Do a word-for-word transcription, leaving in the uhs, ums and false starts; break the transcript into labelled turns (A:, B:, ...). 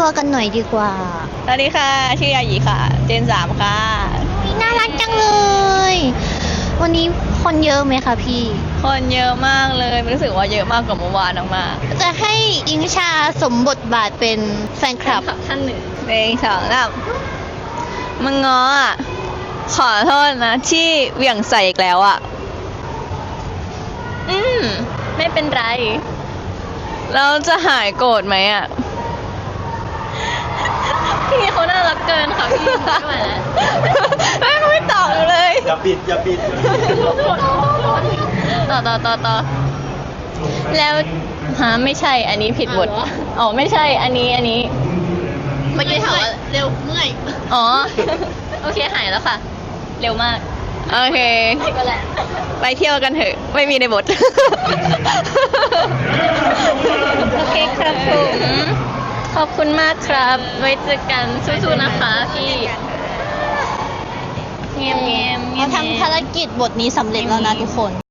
A: ตัวกันหน่อยดีกว่า
B: สวัสดีค่ะ ชื่อยาหยีค่ะ เจนสามค่ะ
A: อุ๊ยน่ารักจังเลย วันนี้คนเยอะไหมคะพี่
B: คนเยอะมากเลยรู้สึกว่าเยอะมากกว่าเมื่อวานมาก
A: จะให้อิงชาสมบทบาทเป็นแฟนคลับ
B: ท่านหนึ่งเพลงสองสามมึงง้ออ่ะ ขอโทษนะ ที่เหวี่ยงใส่อีกแล้วอ่ะ อืม ไม่เป็นไร เราจะหายโกรธไหมอ่ะ พี่เขาน่ารักเกินค่ะพี่ไม่ไหวแล้วไม่เขาไม่ตอบหนูเลย
C: อย่าปิดอย่าปิด
B: ต่อต่อต่อต่อแล้วฮะไม่ใช่อันนี้ผิดบทอ๋อไม่ใช่อันนี้อันนี้เมื่อกี้ถามว่าเร็วเมื่อยอ๋อโอเคหายแล้วค่ะ เร็วมากโอเคก็แหละไปเที่ยวกันเถอะไม่มีในบทโอเคครับผมขอบคุณมากครับไว้เจอกันสู้ๆนะคะพี่เงียบเงียบเงียบ
A: เราทำภารกิจบทนี้สำเร็จแล้วนะทุกคน